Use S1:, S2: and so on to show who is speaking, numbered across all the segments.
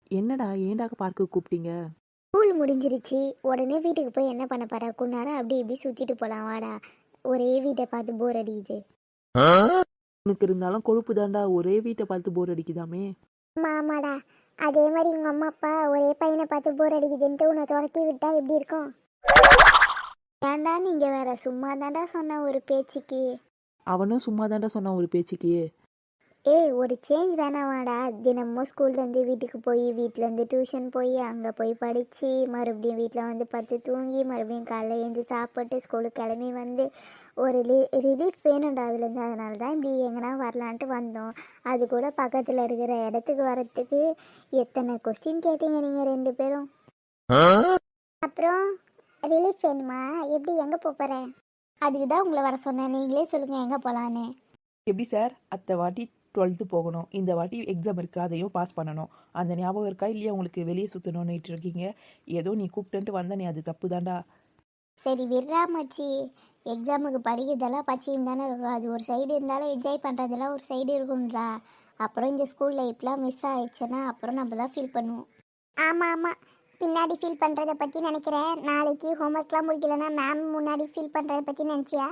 S1: என்னடா ஏன்டா பார்க்க கூப்பிட்டீங்க?
S2: ஸ்கூல் முடிஞ்சிருச்சு. உடனே வீட்டுக்கு போய் என்ன பண்ண போற? கொஞ்ச நேரம் அப்படி இப்படி சுத்திட்டு போலாம் வாடா. ஒரே வீட்டை பார்த்து போர் அடிக்குது.
S1: உனக்கு இருந்தாலும் கொழுப்பு தான்டா, ஒரே வீட்டை பார்த்து போர் அடிக்குதாமே.
S2: ஆமா ஆமாடா. அதே மாதிரி உங்க அம்மா அப்பா ஒரே பையனை பார்த்து போர் அடிக்குதுன்ட்டு உன்னை துரத்தி விட்டா எப்படி இருக்கும்? ஏன்டா நீங்க வேற சும்மா தாண்டா சொன்ன ஒரு பேச்சுக்கு.
S1: அவனும் சும்மா தான்டா சொன்னான் ஒரு பேச்சுக்கு.
S2: ஏய் ஒரு சேஞ்ச் வேணாமாடா. தினமும் ஸ்கூல்லேருந்து வீட்டுக்கு போய் வீட்டிலேருந்து டியூஷன் போய் அங்கே போய் படித்து மறுபடியும் வீட்டில் வந்து பத்து தூங்கி மறுபடியும் காலைல எழுந்து சாப்பிட்டு ஸ்கூலுக்கு கிளம்பி வந்து ஒரு ரிலீஃப் வேணும்டா அதுலேருந்து. அதனால தான் இப்படி எங்கன்னா வரலான்ட்டு வந்தோம். அது கூட பக்கத்தில் இருக்கிற இடத்துக்கு வரத்துக்கு எத்தனை கொஸ்டின் கேட்டீங்க நீங்கள் ரெண்டு பேரும். அப்புறம் ரிலீஃப் வேணுமா? எப்படி எங்கே போகிறேன்? அதுக்கு தான் உங்களை வர சொன்னேன். நீங்களே சொல்லுங்கள் எங்கே போகலான்னு.
S1: எப்படி சார், அத்தை வாட்டி 12th போகணும், இந்த வாட்டி எக்ஸாம் இருக்குது, அதையும் பாஸ் பண்ணணும். அந்த ஞாபகம் இருக்கா இல்லையா உங்களுக்கு? வெளியே சுற்றணும்னுட்டு இருக்கீங்க. ஏதோ நீ கூப்பிட்டுன்ட்டு வந்த, நீ அது தப்பு தான்டா.
S2: சரி விட்றா மச்சி. எக்ஸாமுக்கு படிக்கிறதெல்லாம் பச்சின்னு தானே இருக்கும். அது ஒரு சைடு இருந்தாலும் என்ஜாய் பண்ணுறதெல்லாம் ஒரு சைடு இருக்கும்ன்றா. அப்புறம் இந்த ஸ்கூல் லைஃப்லாம் மிஸ் ஆயிடுச்சுன்னா அப்புறம் நம்ம தான் ஃபீல் பண்ணுவோம். ஆமாம் ஆமாம், பின்னாடி ஃபீல் பண்ணுறதை பற்றி நினைக்கிறேன். நாளைக்கு ஹோம்ஒர்க்லாம் முடிக்கலன்னா மேம் முன்னாடி ஃபீல் பண்ணுறதை பற்றி நினச்சியா?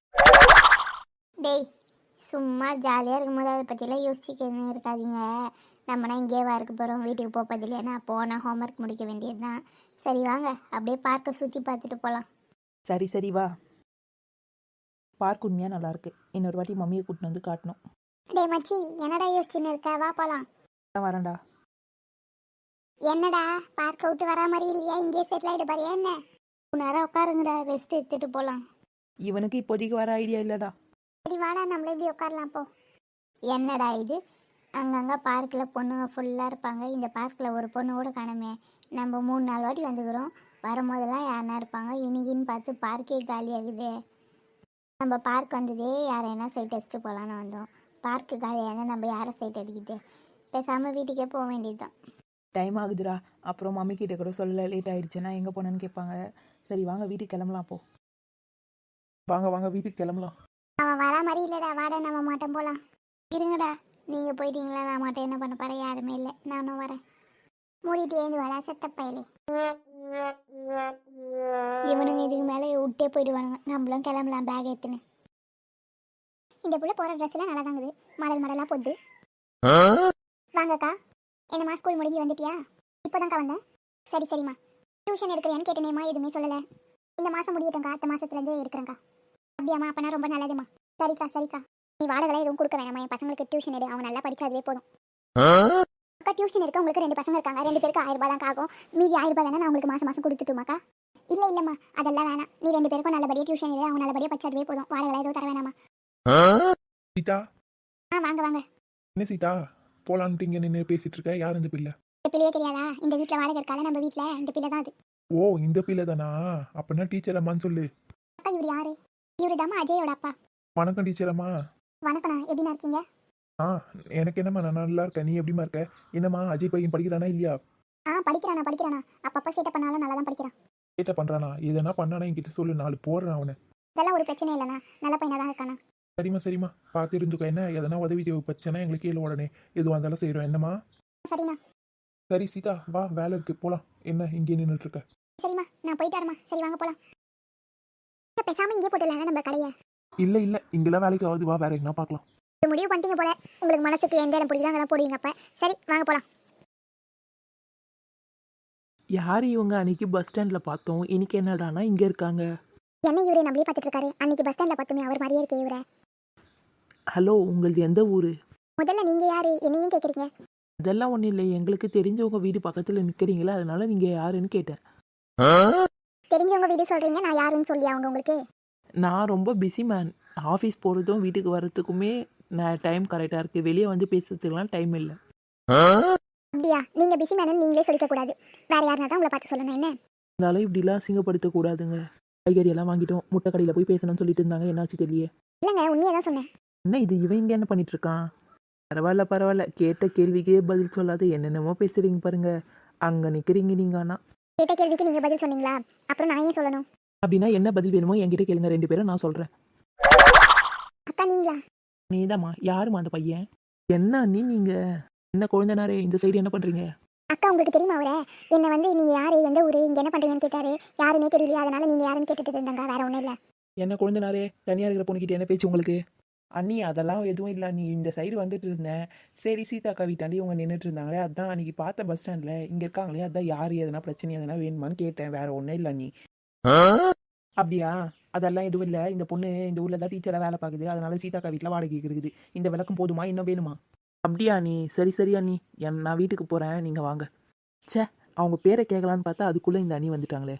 S2: டேய் சும்மா ஜாலியாக இருக்கும்போது அதை பற்றிலாம் யோசிச்சுக்கணும் இருக்காதீங்க. நம்மனா இங்கேவா இருக்க போகிறோம், வீட்டுக்கு போகிறது இல்லையா? போனால் ஹோம்ஒர்க் முடிக்க வேண்டியது தான். சரி வாங்க அப்படியே பார்க்க சுற்றி பார்த்துட்டு போகலாம்.
S1: சரி சரி வா. பார்க் உண்மையாக நல்லாயிருக்கு. இன்னொரு வாட்டி மம்மியை கூட்டின்னு வந்து காட்டணும்.
S2: டேய் மச்சி என்னடா யோசிச்சுன்னு இருக்க? வா போகலாம்.
S1: நான் வரேன்டா.
S2: என்னடா பார்க்க விட்டு வரா மாதிரி இல்லையா? இங்கேயே செட்டில் ஆகிட்டு பாரியா என்ன? நேரம் உட்காருங்கடா, ரெஸ்ட் எடுத்துகிட்டு போகலாம்.
S1: இவனுக்கு இப்போதைக்கு வர ஐடியா இல்லைடா.
S2: சரி வாடா நம்மள எப்படி உட்காரலாம் போ. என்னடா இது, அங்கங்கே பார்க்கில் பொண்ணுங்க ஃபுல்லாக இருப்பாங்க. இந்த பார்க்கில் ஒரு பொண்ணு கூட காணுமே. நம்ம 3-4 வாட்டி வந்துக்கிறோம். வரும்போதெல்லாம் யாருனா இருப்பாங்க. இன்னைக்குன்னு பார்த்து பார்க்கே காலியாகுது. நம்ம பார்க் வந்ததே யாரைனா சைட் அடிச்சுட்டு போகலான்னு வந்தோம். பார்க்கு காலியாக இருந்தால் நம்ம யாரை சைட் அடிக்குது? பேசாமல் வீட்டுக்கே போக வேண்டியது தான்.
S1: டைம் ஆகுதுடா. அப்புறம் மம்மி கிட்ட கூட சொல்ல லேட் ஆயிடுச்சுன்னா எங்கே போனேன்னு கேட்பாங்க. சரி வாங்க வீட்டுக்கு கிளம்பலாம். போ வாங்க வாங்க வீட்டுக்கு கிளம்பலாம்.
S2: அவன் வர மாதிரி இல்லைடா, வாடா நம்ம மாட்டோம் போகலாம். இருங்கடா, நீங்கள் போயிட்டீங்களா? நான் மாட்டேன் என்ன பண்ண போகிறேன்? யாருமே இல்லை, நானும் வரேன். மூடிட்டு ஏந்து வாடா செத்த பயலே. இவனுங்க இதுக்கு மேலே விட்டே போயிடுவானுங்க. நம்மளும் கிளம்பலாம் பேக் எடுத்துன்னு. இந்த புள்ள போகிற ட்ரெஸ்லாம் நல்லா தாங்குது, மாடல் மாடலாக போகுது. வாங்கக்கா. என்னம்மா ஸ்கூல் முடிஞ்சு வந்துட்டியா? இப்போதான்க்கா வந்தேன். சரி சரிம்மா. டியூஷன் எடுக்கிறேன்னு கேட்டேனேம்மா, எதுவுமே சொல்லலை. இந்த மாதம் முடியட்டேங்க்கா, அடுத்த மாதத்துலேருந்து எடுக்கிறேங்க்கா. அப்படியாம்மா? அப்பனா ரொம்ப நல்லதும்மா. சரிக்கா சரிக்கா. நீ வாடகை எதுவும் கொடுக்க வேணாமா? என் பசங்களுக்கு டியூஷன் எடு, அவங்க நல்லா படிச்சா அதுவே போதும். அக்கா டியூஷன் எடுக்க உங்களுக்கு 2 பசங்க இருக்காங்க. 2 பேருக்கு 1000 ரூபாய் தான் ஆகும். மீதி 1000 ரூபாய் வேணா நான் உங்களுக்கு மாதம் மாதம் கொடுத்துட்டுமாக்கா? இல்லை இல்லைம்மா அதெல்லாம் வேணாம். நீ 2 பேருக்கும் நல்லபடியாக டியூஷன் எடு, அவங்க நல்லபடியாக படிச்சா அதுவே போதும். வாடகை எதுவும் தர வேணாமா?
S3: சீதா,
S2: வாங்க வாங்க.
S3: என்ன சீதா போலான்ட்டு இங்கே நின்று பேசிட்டு இருக்க? யார் இந்த பிள்ளை?
S2: இந்த பிள்ளையே தெரியாதா? இந்த வீட்டில் வாடகை இருக்கால நம்ம வீட்டில், இந்த பிள்ளை தான் அது.
S3: ஓ இந்த பிள்ளை தானா? அப்படின்னா டீச்சர் அம்மான்னு சொல்லு.
S2: அக்கா இவர் யாரு? இவரு தாம்மா அஜயோட அப்பா.
S3: வணக்கம் டீச்சர் அம்மா.
S2: வணக்கண்ணா, எப்படிண்ணா இருக்கீங்க?
S3: ஆ எனக்கு என்னம்மா, நான் நல்லா இருக்கேன். நீ எப்படிமா இருக்க? என்னம்மா அஜய் பையன் படிக்கிறானா இல்லையா?
S2: படிக்கிறானா. அப்பப்போ சேட்டை பண்ணாலும் நல்லா தான் படிக்கிறான்.
S3: கேட்ட பண்றானா? எதனா பண்ணானா என்கிட்ட சொல்லு, 4 போடுறேன் அவனை.
S2: இதெல்லாம் ஒரு பிரச்சனை இல்லைண்ணா, நல்ல பையனாக தான் இருக்காண்ணா.
S3: சரிம்மா சரிம்மா, பார்த்து இருந்துக்கோ. என்ன எதனா உதவி பிரச்சனை எங்களுக்கு கீழே உடனே எதுவாக இருந்தாலும் செய்கிறோம். என்னம்மா?
S2: சரிண்ணா.
S3: சரி சீதா வா, வேலை இருக்கு போலாம். என்ன இங்கே நின்றுட்டு இருக்க?
S2: சரிம்மா நான் போயிட்டு வரேம்மா. சரி வாங்க போகலாம். பேசாமல் இங்கே போட்டுடலாங்க நம்ம கடையை.
S3: இல்லை இல்லை, இங்கெல்லாம் வேலைக்கு ஆகுது, வா வேற எங்கன்னா பார்க்கலாம்.
S2: ஒரு முடிவு பண்ணிட்டீங்க போல. உங்களுக்கு மனசுக்கு எந்த இடம் பிடிக்குதோ அங்கெல்லாம் போடுவீங்க. அப்போ சரி வாங்க போகலாம்.
S1: யார் இவங்க? அன்னைக்கு பஸ் ஸ்டாண்டில் பார்த்தோம், இன்னைக்கு என்னடானா இங்கே இருக்காங்க.
S2: என்ன இவரே நம்மளே பார்த்துட்டு இருக்காரு? அன்னைக்கு பஸ் ஸ்டாண்டில் பார்த்தோமே அவர் மாதிரியே இருக்கே இவரை.
S1: ஹலோ, உங்களது எந்த ஊர்?
S2: முதல்ல நீங்கள் யார் என்னையும் கேட்குறீங்க?
S1: அதெல்லாம் ஒன்றும் இல்லை, எங்களுக்கு தெரிஞ்சவங்க வீடு பக்கத்தில் நிற்கிறீங்களா, அதனால நீங்கள் யாருன்னு கேட்டேன்.
S2: தெரிஞ்சவங்க வீடு சொல்கிறீங்க, நான் யாருன்னு சொல்லி அவங்க உங்களுக்கு?
S1: நான் ரொம்ப பிஸி மேன். ஆஃபீஸ் போகிறதும் வீட்டுக்கு வர்றதுக்குமே நான் டைம் கரெக்டாக இருக்குது. வெளியே வந்து பேசுறதுக்கெலாம் டைம் இல்லை.
S2: அப்படியா? நீங்கள் பிஸி மேனு நீங்களே சொல்லிக்கக்கூடாது. வேறு யாருனா தான் உங்களை பார்த்து சொல்லணும். என்ன
S1: அதனால இப்படிலாம் அசிங்கப்படுத்தக்கூடாதுங்க. காய்கறியெல்லாம் வாங்கிட்டோம், முட்டை கடையில் போய் பேசணும்னு சொல்லிட்டு இருந்தாங்க. என்னாச்சு தெரியல.
S2: இல்லைங்க உண்மையாக தான் சொன்னேன்.
S1: என்ன இது, இவன் இங்கே என்ன பண்ணிட்டு இருக்கான்? பரவாயில்ல, கேட்ட கேள்விக்கே பதில் சொல்லாத என்னென்னமோ பேசுறீங்க பாருங்க. அங்கே நிற்கிறீங்க நீங்கள். ஆனால்
S2: கேட்ட கேள்விக்கு நீங்கள் பதில் சொன்னீங்களா? அப்புறம் நான் ஏன் சொல்லணும்?
S1: அப்படின்னா என்ன பதில் வேணுமோ என்கிட்ட கேளுங்க, 2 பேரும் நான் சொல்கிறேன்.
S2: அக்கா நீங்களா?
S1: நீதாம்மா. யாருமா அந்த பையன்? என்ன நீ? நீங்கள் என்ன குழந்தைனாரே, இந்த சைடு என்ன பண்ணுறீங்க?
S2: அக்கா உங்களுக்கு தெரியுமா அவரை? என்னை வந்து நீங்கள் யார், எந்த ஊர், இங்கே என்ன பண்ணுறீங்கன்னு கேட்டார். யாருன்னே தெரியலையா, அதனால் நீங்கள் யாருன்னு கேட்டுட்டு இருந்தாங்க, வேறு ஒன்றும் இல்லை.
S1: என்ன கொழுந்தனாரே, தனியாக இருக்கிற பொண்ணுக்கிட்ட என்ன பேச்சு உங்களுக்கு? அண்ணி அதெல்லாம் எதுவும் இல்லை, நீ இந்த சைடு வந்துட்டு இருந்தேன். சரி சீதாக்கா வீட்டாண்டி இவங்க நின்றுட்டு இருந்தாங்களே, அதான் அன்றைக்கி பார்த்த பஸ் ஸ்டாண்டில் இங்கே இருக்காங்களே, அதான் யார் எதனா பிரச்சனை எதனா வேணுமான்னு கேட்டேன், வேறு ஒன்றும் இல்லை நீ. அப்படியா? அதெல்லாம் எதுவும் இல்லை, இந்த பொண்ணு இந்த ஊரில் தான் டீச்சராக வேலை பார்க்குது, அதனால சீதாக்கா வீட்டில் வாடகைக்கு இருக்குது. இந்த விளக்கம் போதுமா, இன்னும் வேணுமா? அப்படியா நீ? சரி சரி அண்ணி, நான் வீட்டுக்கு போகிறேன், நீங்கள் வாங்க. ச்சே, அவங்க பேரை கேட்கலான்னு பார்த்தா அதுக்குள்ளே இந்த அண்ணி வந்துட்டாங்களே.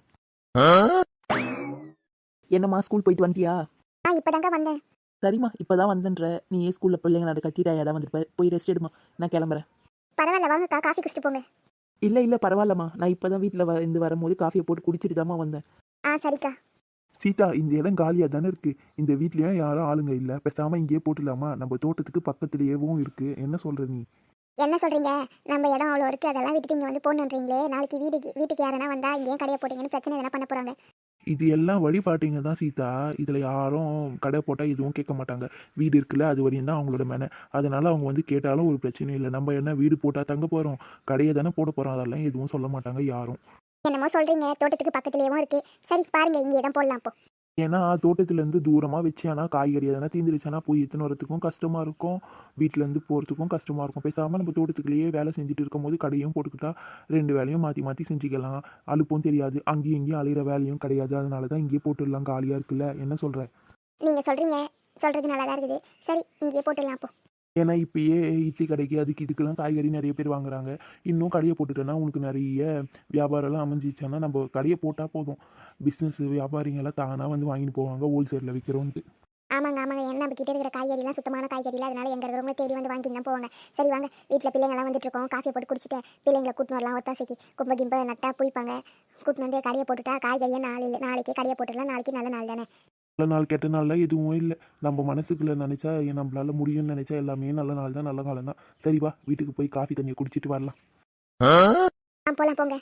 S1: என்னம்மா ஸ்கூல் போயிட்டு வந்துட்டியா?
S2: இப்போ தாங்க வந்தேன்.
S1: சரிம்மா, இப்போ தான் வந்தேன்ற. நீ ஏன் ஸ்கூலில் பிள்ளைங்க நட கத்திட்டா இடம் வந்துருப்ப, போய் ரெஸ்ட் எடுமா, நான் கிளம்புறேன்.
S2: பரவாயில்ல வாங்கக்கா, காஃபி குடிச்சிட்டு போங்க.
S1: இல்லை பரவாயில்லம்மா, நான் இப்போ தான் வீட்டில் இருந்து வரும்போது காஃபியை போட்டு குடிச்சிட்டு தாம்மா வந்தேன்.
S2: சரிக்கா.
S3: சீதா, இந்த இடம் காலியாக தானே இருக்கு. இந்த வீட்லயும் யாரும் ஆளுங்க இல்லை, பேசாம இங்கேயே போட்டுடலாமா? நம்ம தோட்டத்துக்கு பக்கத்துலேயேவும் இருக்கு. என்ன சொல்ற நீ?
S2: என்ன சொல்கிறீங்க? நம்ம இடம் அவ்வளோ இருக்குது, அதெல்லாம் விட்டுட்டு இங்கே வந்து போடணுன்றீங்களே. நாளைக்கு வீட்டுக்கு யாருன்னா வந்தால் இங்கேயும் கடையை போட்டிங்கன்னு பிரச்சனை எதனா பண்ண போகிறாங்க.
S3: இது எல்லாம் வழிபாட்டிங்க தான் சீதா. இதில் யாரும் கடை போட்டால் எதுவும் கேட்க மாட்டாங்க. வீடு இருக்குல்ல, அது வரையும் தான் அவங்களோட மேனை. அதனால அவங்க வந்து கேட்டாலும் ஒரு பிரச்சனையும் இல்லை. நம்ம என்ன வீடு போட்டால் தங்க போகிறோம், கடையை தானே போட போகிறோம், அதெல்லாம் எதுவும் சொல்ல மாட்டாங்க யாரும்.
S2: என்னமோ சொல்கிறீங்க, தோட்டத்துக்கு பக்கத்துலேயும் இருக்குது. சரி பாருங்கள், இங்கே தான் போடலாம் அப்போ.
S3: ஏன்னா தோட்டத்துலேருந்து தூரமாக வச்சேன்னா காய்கறி எதனா தீந்துருச்சுன்னா போய் எத்தனை வரத்துக்கும் கஷ்டமாக இருக்கும், வீட்டிலேருந்து போகிறதுக்கும் கஷ்டமாக இருக்கும். பேசாமல் நம்ம தோட்டத்துக்குள்ளேயே வேலை செஞ்சுட்டு இருக்கும்போது கடையும் போட்டுக்கிட்டா 2 வேலையும் மாற்றி மாற்றி செஞ்சுக்கலாம். அலுப்பும் தெரியாது, அங்கேயும் இங்கேயும் அலையிற வேலையும் கிடையாது. அதனால தான் இங்கேயே போட்டுடலாம், காலியாக இருக்குல்ல. என்ன சொல்கிற?
S2: நீங்கள் சொல்கிறது நல்லா தான் இருக்குது. சரி இங்கேயே போட்டுடலாம் அப்போ.
S3: ஏன்னா இப்பயே இட்லி கடைக்கு அதுக்கு இதுக்கெல்லாம் காய்கறி நிறைய பேர் வாங்குறாங்க. இன்னும் கடையை போட்டுட்டோன்னா உனக்கு நிறைய வியாபாரம்லாம் அமைஞ்சிச்சுன்னா நம்ம கடையை போட்டால் போதும், பிஸ்னஸ் வியாபாரிங்கெல்லாம் தானாக வந்து வாங்கிட்டு போவாங்க, ஹோல்சேலில் விற்கிறோன்ட்டு.
S2: ஆமாங்க என்ன நம்ம கிட்ட இருக்கிற காய்கறிலாம் சுத்தமான காய்கறிலாம், அதனால எங்கே இருக்கிறவங்க தேடி வந்து வாங்கிட்டு தான் போவாங்க. சரி வாங்க, வீட்டில் பிள்ளைங்கள்லாம் வந்துட்டு இருக்கோம், காஃபியை போட்டு குடிச்சிட்டு பிள்ளைங்களை கூட்டின்னு வரலாம். ஒத்தாசைக்கு கும்ப கிம்ப நட்டா புய்ப்பாங்க. கூட்டின்னு வந்து கடையை போட்டுட்டா காய்கறியை நாளைக்கே கடையை போட்டுடலாம். நாளைக்கு நல்ல நாள் தானே.
S3: நல்ல நாள் கெட்ட நாள்லாம் எதுவும் இல்லை. நம்ம மனசுக்குள்ளே நினச்சா நம்மளால முடியும்னு நினச்சா எல்லாமே நல்ல நாள் தான், நல்ல காலம் தான். சரி வா, வீட்டுக்கு போய் காஃபி தண்ணியை குடிச்சிட்டு வரலாம்.
S2: போகலாம் போங்க.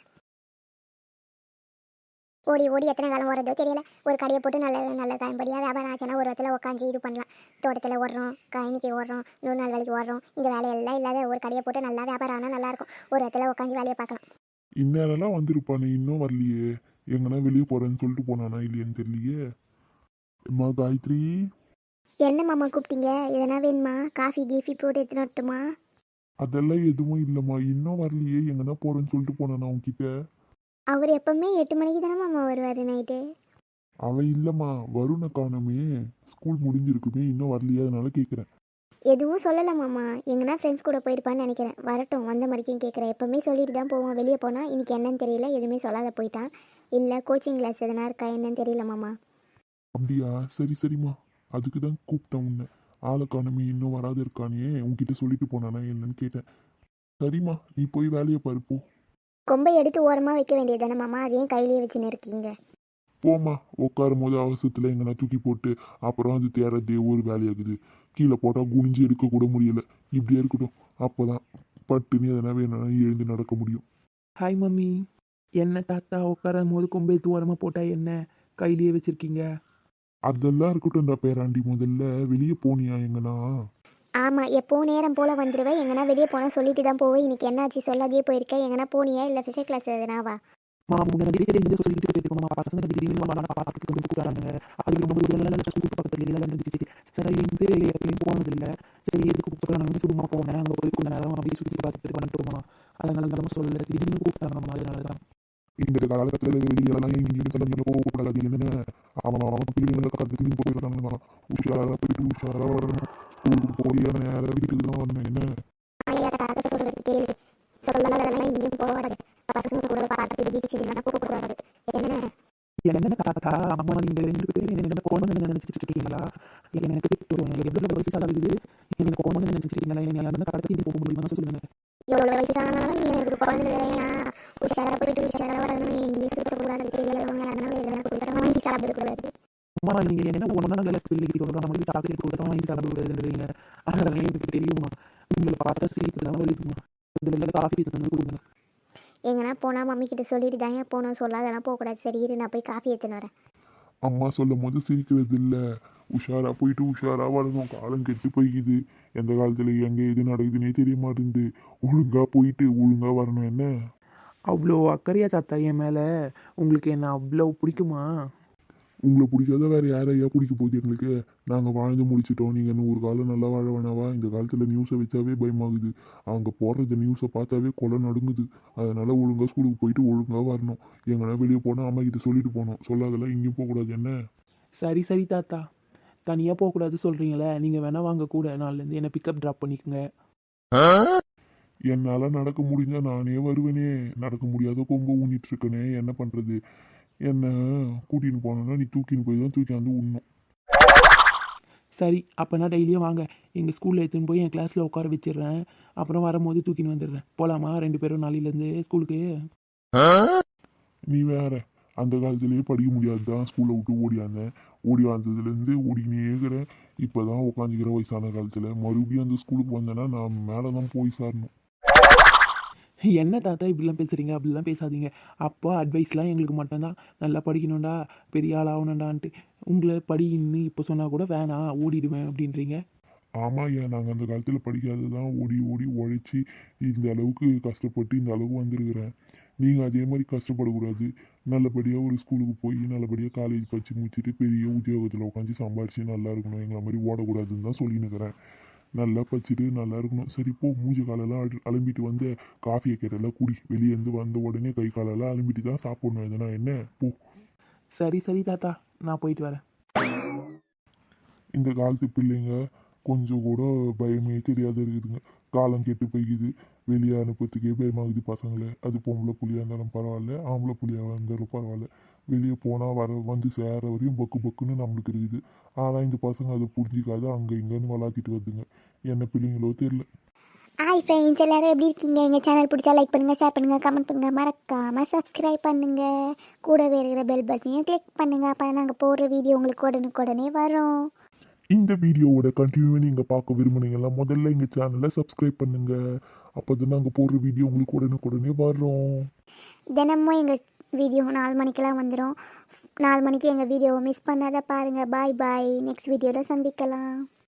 S2: ஓடி எத்தனை காலம் ஓடுறதோ தெரியல. ஒரு கடையை போட்டு நல்ல பயன்படியாக வியாபாரம் ஆச்சுன்னா ஒரு இடத்துல உட்காந்து இது பண்ணலாம். தோட்டத்தில் ஓடுறோம், கழனிக்கு ஓடுறோம், 100 நாள் வேலைக்கு ஓடுறோம். இந்த வேலையெல்லாம் இல்லாத ஒரு கடையை போட்டு நல்லா வியாபாரம் ஆனால் நல்லாயிருக்கும். ஒரு இடத்துல உட்காந்து வேலையை பார்க்கலாம்.
S4: இந்நேரம்லாம் வந்திருப்பானே, இன்னும் வரலையே. எங்கன்னா வெளியே போறேன்னு சொல்லிட்டு போனானா இல்லையான்னு தெரியலையே. அம்மா காயத்ரி.
S2: என்ன மாமா கூப்பிட்டீங்க? எதனா வேணுமா? காஃபி கீஃபி போட்டு எடுத்துன்னு வரட்டுமா?
S4: அதெல்லாம் எதுவும் இல்லைம்மா, இன்னும் வரலையே. எங்கன்னா போறேன்னு சொல்லிட்டு போனானா உன்கிட்ட?
S2: அவர் எப்பவுமே 8 மணிக்கு தானே மாமா வருவார் நைட்டு.
S4: அவன் இல்லைம்மா, வருணை காணோமே. ஸ்கூல் முடிஞ்சிருக்குமே, இன்னும் வரலையே, அதனால கேட்குறேன்.
S2: எதுவும் சொல்லலை மாமா, எங்கன்னா ஃப்ரெண்ட்ஸ் கூட போயிருப்பான்னு நினைக்கிறேன். வரட்டும், வந்த மாதிரிக்கும் கேட்குறேன். எப்போவுமே சொல்லிட்டு தான் போவான் வெளியே போனால். இன்றைக்கி என்னன்னு தெரியல, எதுவுமே சொல்லாத போயிட்டான். இல்லை கோச்சிங் கிளாஸ் எதனா இருக்கா என்னன்னு தெரியல மாமா.
S4: அப்படியா? சரிம்மா, அதுக்கு தான் கூப்பிட்டேன் உன்னை. ஆளை காணோமே, இன்னும் வராது இருக்கானே, உன்கிட்ட சொல்லிட்டு போனானா என்னன்னு கேட்டேன். சரிம்மா, நீ போய் வேலையை பாரு போ.
S2: கொம்பை எடுத்து ஓரமாக வைக்க வேண்டியது தானே மாமா, அதையும் கையிலேயே வச்சுன்னு இருக்கீங்க.
S4: போம்மா, உட்காரும் போது அவசரத்தில் எங்கன்னா தூக்கி போட்டு அப்புறம் அது தேரதே ஒரு வேலையாகுது. கீழே போட்டால் குனிஞ்சு எடுக்க கூட முடியல. இப்படியே இருக்கட்டும், அப்போதான் பட்டுன்னு எதனா வேணும்னா எழுந்து நடக்க முடியும்.
S1: Hi mummy. என்ன தாத்தா உட்காரும் போது கொம்பை தூரமாக போட்டால் என்ன கையிலேயே வச்சுருக்கீங்க?
S4: அதெல்லாம் இருக்கட்டும். பேராண்டி, முதல்ல வெளியே போனியா எங்கன்னா?
S2: ஆமாம், எப்போவும் நேரம் போல் வந்துடுவேன். எங்கன்னா வெளியே போனால் சொல்லிட்டு தான் போவேன். இன்றைக்கி என்னாச்சு சொல்லாதே போயிருக்கேன். எங்கன்னா போனியா இல்லை ஃபிசிக்கல் கிளாஸ் எதுனாவா?
S1: போனதில்லை. சரி எதுக்கு கூப்பிட்றாங்க, சும்மா போனேன். அங்கே போய் கொஞ்ச நேரம் அப்படியே சுற்றி பார்த்துட்டு வந்துட்டோமா, அதனால சொல்லலை. திடீர்னு கூப்பிட்டாங்க, அதனால தான்.
S4: இந்த காலகட்டத்தில் வெளியெல்லாம் எங்கேயும் சொல்ல போகக்கூடாது. என்னென்ன அவன் பிள்ளைங்களை கற்றுக்கு போயிடுறாங்க. உஷாராக போயிட்டு உஷாராக வரணும். ஸ்கூலுக்கு போய் அந்த நேரம் வீட்டுக்கு தான் வரணும். என்ன
S1: என்ன தாத்தா அம்மா நீங்கள் 2 பேரும் என்ன போகணும்னு நினச்சிட்டு இருக்கீங்களா? எனக்கு எவ்வளோ வயசு ஆகுது, எனக்கு போகணும்னு நினச்சிட்டு இருக்கீங்களா? என்ன கடத்தி போக முடியுமா சொல்லுங்கள்.
S2: எவ்வளோ வயசானாலும் எனக்கு குழந்தை உஷாராக போயிட்டு உஷாராக வரணும். இங்கிலீஷ் சொல்லக்கூடாது, தெரியலவங்க அதனால எதனா கொடுத்தா வாங்கி சாப்பிடக்கூடாது.
S1: அம்மா நீங்கள் என்ன ஒன்றா நல்ல ஸ்பெல்லிங் சொல்கிறோம், நம்மளுக்கு சாக்லேட் கொடுத்தா வாங்கி சாப்பிடக்கூடாதுன்றீங்க. அதெல்லாம் எனக்கு தெரியுமா? உங்களை பார்த்தா சிரிப்பு தான் வருதுமா. இதில் காஃபி தந்து கொடுங்க.
S2: எங்கன்னா போனால் மம்மி கிட்ட சொல்லிட்டு தான் போனோம், சொல்லாதெல்லாம் போகக்கூடாது. சரி இரு, நான் போய் காஃபி எடுத்துன்னு வரேன்.
S4: அம்மா சொல்லும் போது சிரிக்கிறது இல்லை. உஷாராக போயிட்டு உஷாராக வரணும். காலம் கெட்டு போய்க்குது. எந்த காலத்தில் எங்கே எது நடக்குதுன்னே தெரிய மாட்டேங்குது. ஒழுங்காக போயிட்டு ஒழுங்காக வரணும் என்ன.
S3: அவ்வளோ அக்கறையா தாத்தா என் மேலே? உங்களுக்கு என்ன அவ்வளோ பிடிக்குமா?
S4: உங்களை பிடிக்காத வேறு யாரையா பிடிக்க போகுது எங்களுக்கு? நாங்கள் வாழ்ந்து முடிச்சிட்டோம். நீங்கள் இன்னும் ஒரு காலம் நல்லா வாழ வேணாவா? இந்த காலத்தில் நியூஸை வச்சாவே பயமாகுது. அவங்க போடுற நியூஸை பார்த்தாவே கொலை நடுங்குது. அதனால் ஒழுங்காக ஸ்கூலுக்கு போயிட்டு ஒழுங்காக வரணும். எங்கன்னா வெளியே போனால் அம்மா கிட்ட சொல்லிட்டு போகணும். சொல்லாதெல்லாம் இங்கேயும் போகக்கூடாது என்ன.
S3: சரி சரி தாத்தா, தனியாக போகக்கூடாது சொல்கிறீங்களே, நீங்கள் வேணால் வாங்க கூட, நாள்லேருந்து என்னை பிக்கப் ட்ராப் பண்ணிக்கோங்க.
S4: என்னால் நடக்க முடிஞ்சால் நானே வருவேனே. நடக்க முடியாத கொம்பை ஊனிட்டு இருக்கனே, என்ன பண்ணுறது? என்ன கூட்டின்னு போனோன்னா நீ தூக்கின்னு போய் தான் தூக்கி வந்து விடணும்.
S3: சரி, அப்போனா டெய்லியும் வாங்க, எங்கள் ஸ்கூலில் எடுத்துன்னு போய் என் கிளாஸில் உட்கார வச்சிடுறேன். அப்புறம் வரும்போது தூக்கின்னு வந்துடுறேன். போகலாமா 2 பேரும் நாளையிலேருந்து ஸ்கூலுக்கு?
S4: நீ வேற அந்த காலத்திலேயே படிக்க முடியாது தான் ஸ்கூலை விட்டு ஓடியாந்தேன். ஓடி வந்ததுலேருந்து ஓடிக்கினே இருக்கிறேன். இப்போ தான் உட்காந்துக்கிற வயசான காலத்தில் மறுபடியும் அந்த ஸ்கூலுக்கு வந்தேன்னா நான் மேலே தான் போய் சாரணும்.
S3: என்ன தாத்தா இப்படிலாம் பேசுகிறீங்க? அப்படிலாம் பேசாதீங்க. அப்போ அட்வைஸ்லாம் எங்களுக்கு மட்டும்தான். நல்லா படிக்கணும்டா, பெரிய ஆள் ஆகணும்டான்ட்டு. உங்களை படின்னு இப்போ சொன்னால் கூட வேணாம், ஓடிடுவேன் அப்படின்றீங்க.
S4: ஆமாம், ஏன் நாங்கள் அந்த காலத்தில் படிக்காது தான் ஓடி ஓடி உழைச்சி இந்த அளவுக்கு கஷ்டப்பட்டு இந்த அளவுக்கு வந்திருக்கிறேன். நீங்கள் அதே மாதிரி கஷ்டப்படக்கூடாது. நல்லபடியாக ஒரு ஸ்கூலுக்கு போய் நல்லபடியாக காலேஜ் படித்து முடிச்சுட்டு பெரிய உத்தியோகத்தில் உட்காந்து சம்பாரித்து நல்லா இருக்கணும். எங்களை மாதிரி ஓடக்கூடாதுன்னு தான் சொல்லினுக்கிறேன். நல்லா படிச்சுட்டு நல்லா இருக்கணும். சரி போ, மூஞ்சி காலெல்லாம் அலம்பிட்டு வந்து காஃபியை கேட்டெல்லாம் குடி. வெளியேருந்து வந்த உடனே கை காலெல்லாம் அலம்பிட்டு தான் சாப்பிடணும். எதுனா என்ன போ.
S3: சரி சரி தாத்தா, நான் போயிட்டு வரேன்.
S4: இந்த காலத்து பிள்ளைங்க கொஞ்சம் கூட பயமே தெரியாத இருக்குதுங்க. காலம் கெட்டு போய்க்குது. வெளியே அனுப்புறதுக்கே பயமாகுது பசங்களை. அது பொம்பளை புள்ளியாக இருந்தாலும் பரவாயில்ல, ஆம்பளை புள்ளியாக இருந்தாலும் பரவாயில்ல. வெளியே போனால் வந்து சேர வரையும் பக்கு பக்குன்னு நம்மளுக்கு இருக்குது. ஆனால் இந்த பசங்க அதை புரிஞ்சிக்காத அங்கே இங்கேன்னு வளாத்திட்டு வருதுங்க. என்ன பிள்ளைங்களோ தெரியல.
S2: ஹாய் ஃப்ரெண்ட்ஸ், எல்லாரும் எப்படி இருக்கீங்க? எங்கள் சேனல் பிடிச்சா லைக் பண்ணுங்கள், ஷேர் பண்ணுங்கள், கமெண்ட் பண்ணுங்கள், மறக்காமல் சப்ஸ்கிரைப் பண்ணுங்கள். கூடவே இருக்கிற பெல் பட்டனையும் கிளிக் பண்ணுங்கள். அப்போ நாங்கள் போடுற வீடியோ உங்களுக்கு உடனுக்குடனே வரும்.
S4: இந்த வீடியோவோட கண்டினியூவை நீங்கள் பார்க்க விரும்புனீங்கன்னா முதல்ல எங்கள் சேனலை சப்ஸ்கிரைப் பண்ணுங்கள். அப்போ தான் நாங்கள் போடுற வீடியோ உங்களுக்கு உடனுக்குடனே வரும்.
S2: தினமும் எங்கள் வீடியோ 4 மணிக்கெல்லாம் வந்துடும். 4 மணிக்கு எங்கள் வீடியோவை மிஸ் பண்ணாத பாருங்கள். பாய் பாய். நெக்ஸ்ட் வீடியோவில் சந்திக்கலாம்.